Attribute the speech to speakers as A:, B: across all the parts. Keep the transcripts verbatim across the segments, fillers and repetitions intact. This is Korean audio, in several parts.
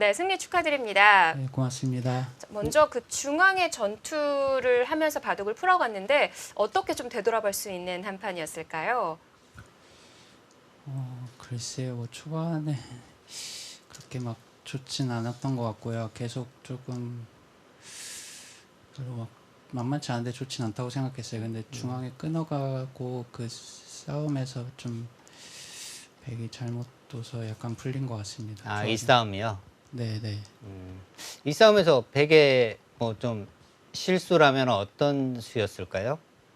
A: 네, 승리 축하드립니다.
B: 네, 고맙습니다.
A: 먼저 그 중앙의 전투를 하면서 바둑을 풀어갔는데 어떻게 좀 되돌아볼 수 있는 한 판이었을까요?
B: 어, 글쎄요, 뭐 초반에 그렇게 막 좋진 않았던 것 같고요. 계속 조금 별로 막 만만치 않은데 좋진 않다고 생각했어요. 근데 중앙에 끊어가고 그 싸움에서 좀 백이 잘못 둬서 약간 풀린 것 같습니다.
C: 아,
B: 좋아진-
C: 이 싸움이요?
B: 네네.
C: 음. 이 싸움에서 백의 뭐 좀 실수라면 어떤 수였을까요?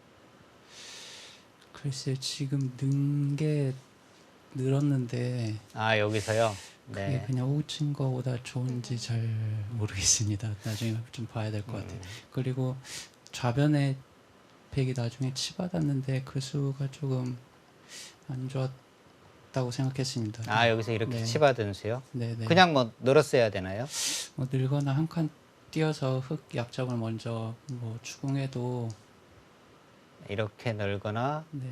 B: 글쎄요, 지금 는 게 늘었는데
C: 아, 여기서요?
B: 그게
C: 네.
B: 그냥 호친 거보다 좋은지 잘 모르겠습니다. 나중에 좀 봐야 될 것 같아요. 그리고 좌변에 백이 나중에 치받았는데 그 수가 조금 안 좋았다고 생각했습니다.
C: 아, 여기서 이렇게
B: 네.
C: 치받은 수요?
B: 네네.
C: 그냥 뭐 늘었어야 되나요?
B: 뭐 늘거나 한 칸 뛰어서 흑 약점을 먼저 뭐 추궁해도
C: 이렇게 늘거나
B: 네,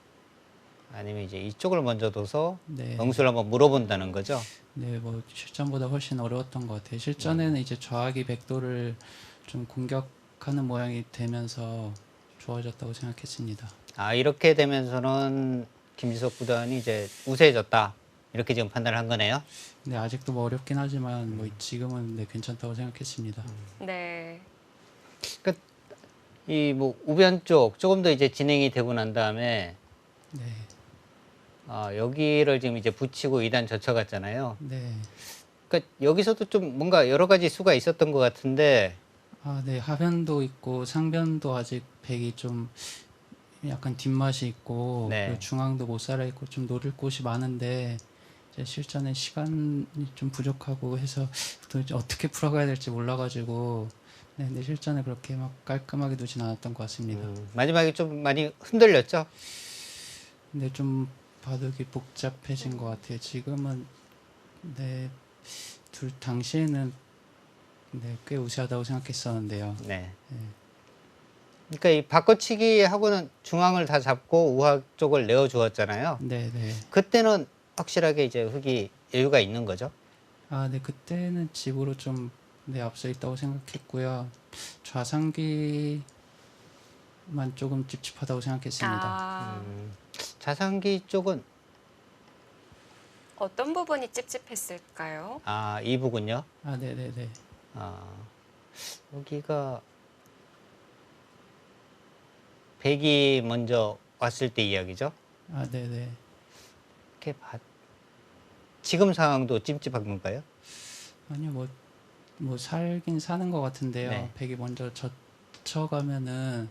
C: 아니면 이제 이쪽을 먼저 둬서
B: 네,
C: 응수를 한번 물어본다는 거죠?
B: 네, 뭐 실전보다 훨씬 어려웠던 것 같아요. 실전에는 이제 좌악이 백도를 좀 공격하는 모양이 되면서 좋아졌다고 생각했습니다.
C: 아, 이렇게 되면서는 김지석 구단이 이제 우세해졌다. 이렇게 지금 판단을 한 거네요.
B: 네, 아직도 뭐 어렵긴 하지만 뭐 지금은 네, 괜찮다고 생각했습니다.
A: 네.
C: 그러니까 이 뭐 우변 쪽 조금 더 이제 진행이 되고 난 다음에
B: 네,
C: 아, 여기를 지금 이제 붙이고 이 단 젖혀갔잖아요.
B: 네.
C: 그러니까 여기서도 좀 뭔가 여러 가지 수가 있었던 것 같은데
B: 아, 네, 하변도 있고 상변도 아직 백이 좀 약간 뒷맛이 있고
C: 네.
B: 그리고 중앙도 못 살아 있고 좀 노릴 곳이 많은데 이제 실전에 시간이 좀 부족하고 해서 도대체 어떻게 풀어가야 될지 몰라가지고 네, 근데 실전에 그렇게 막 깔끔하게 두진 않았던 것 같습니다.
C: 음, 마지막에 좀 많이 흔들렸죠.
B: 근데 좀 바둑이 복잡해진 것 같아요. 지금은 네, 둘 당시에는 네, 꽤 우세하다고 생각했었는데요.
C: 네.
B: 네.
C: 그러니까 이 바꿔치기 하고는 중앙을 다 잡고 우하 쪽을 내어 주었잖아요.
B: 네, 네.
C: 그때는 확실하게 이제 흑이 여유가 있는 거죠.
B: 아, 네, 그때는 집으로 좀 네, 앞서 있다고 생각했고요. 좌상기만 조금 찝찝하다고 생각했습니다.
A: 아,
C: 음, 자상기 쪽은
A: 어떤 부분이 찝찝했을까요?
C: 아, 이 부분요.
B: 아, 네, 네, 네.
C: 아, 여기가 백이 먼저 왔을 때 이야기죠.
B: 아, 네, 네.
C: 이렇게 봐. 지금 상황도 찜찜한 건가요?
B: 아니요, 뭐, 뭐 살긴 사는 것 같은데요.
C: 네.
B: 백이 먼저 젖혀가면은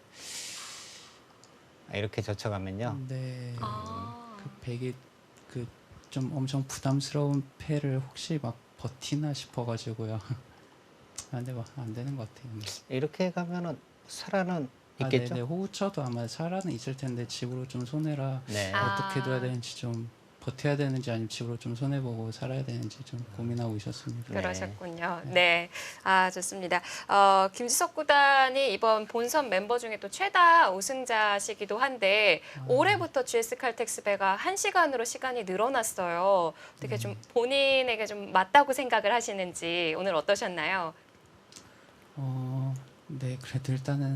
C: 아, 이렇게 젖혀가면요.
B: 네,
A: 아,
B: 그 백이 그 좀 엄청 부담스러운 패를 혹시 막 버티나 싶어가지고요. 아, 근데 뭐 안 되는 것 같아요.
C: 이렇게 가면은 살아는
B: 아,
C: 있겠죠.
B: 네네. 호우쳐도 아마 살아는 있을 텐데 집으로 좀 손해라
C: 네.
A: 아.
B: 어떻게 둬야 되는지 좀 버텨야 되는지 아니면 집으로 좀 손해 보고 살아야 되는지 좀 고민하고 있었습니다.
C: 네.
A: 그러셨군요. 네. 아, 좋습니다. 어, 김지석 구단이 이번 본선 멤버 중에 또 최다 우승자시기도 한데 올해부터 지에스 칼텍스배가 한 시간으로 시간이 늘어났어요. 어떻게 좀 본인에게 좀 맞다고 생각을 하시는지 오늘 어떠셨나요?
B: 어, 네. 그래도 일단은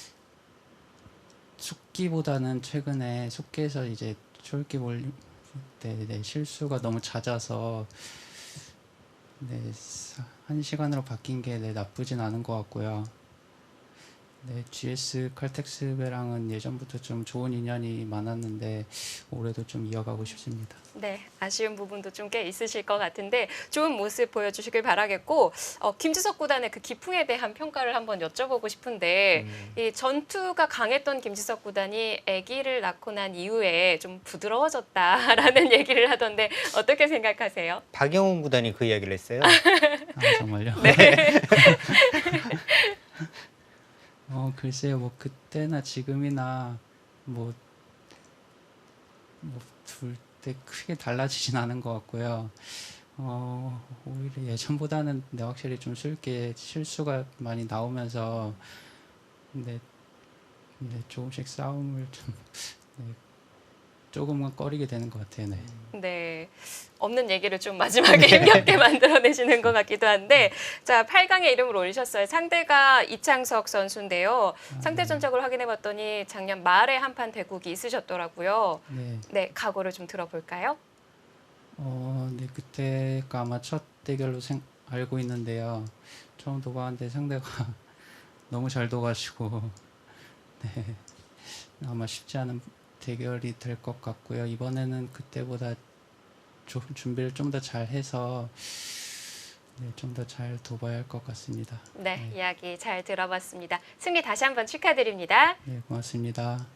B: 숙기보다는 최근에 숙기에서 이제 초읽기 몰 네, 네, 실수가 너무 잦아서 네, 사- 한 시간으로 바뀐 게 네, 나쁘진 않은 것 같고요. 네, 지에스 칼텍스배랑은 예전부터 좀 좋은 인연이 많았는데 올해도 좀 이어가고 싶습니다.
A: 네, 아쉬운 부분도 좀 꽤 있으실 것 같은데 좋은 모습 보여주시길 바라겠고 어, 김지석 구단의 그 기풍에 대한 평가를 한번 여쭤보고 싶은데 이 전투가 강했던 김지석 구단이 아기를 낳고 난 이후에 좀 부드러워졌다라는 얘기를 하던데 어떻게 생각하세요?
C: 박영훈 구단이 그 이야기를 했어요.
B: 아, 정말요?
A: 네.
B: 어, 글쎄요, 뭐 그때나 지금이나 뭐, 뭐 둘 때 크게 달라지진 않은 것 같고요. 어, 오히려 예전보다는 네, 확실히 좀 쉽게 실수가 많이 나오면서 네, 네, 조금씩 싸움을 좀 네, 조금은 꺼리게 되는 것 같아요. 네.
A: 네. 없는 얘기를 좀 마지막에 힘겹게 만들어내시는 것 같기도 한데, 자, 팔 강에 이름을 올리셨어요. 상대가 이창석 선수인데요. 상대 전적을 확인해봤더니 작년 말에 한판 대국이 있으셨더라고요.
B: 네.
A: 네, 각오를 좀 들어볼까요?
B: 어, 네, 그때가 아마 첫 대결로 생, 알고 있는데요. 처음 도봤는데 상대가 너무 잘 도가지고 네, 아마 쉽지 않은 대결이 될 것 같고요. 이번에는 그때보다 좀 준비를 좀 더 잘해서 네, 좀 더 잘 도봐야 할 것 같습니다.
A: 네,
B: 네.
A: 이야기 잘 들어봤습니다. 승리 다시 한번 축하드립니다.
B: 네, 고맙습니다.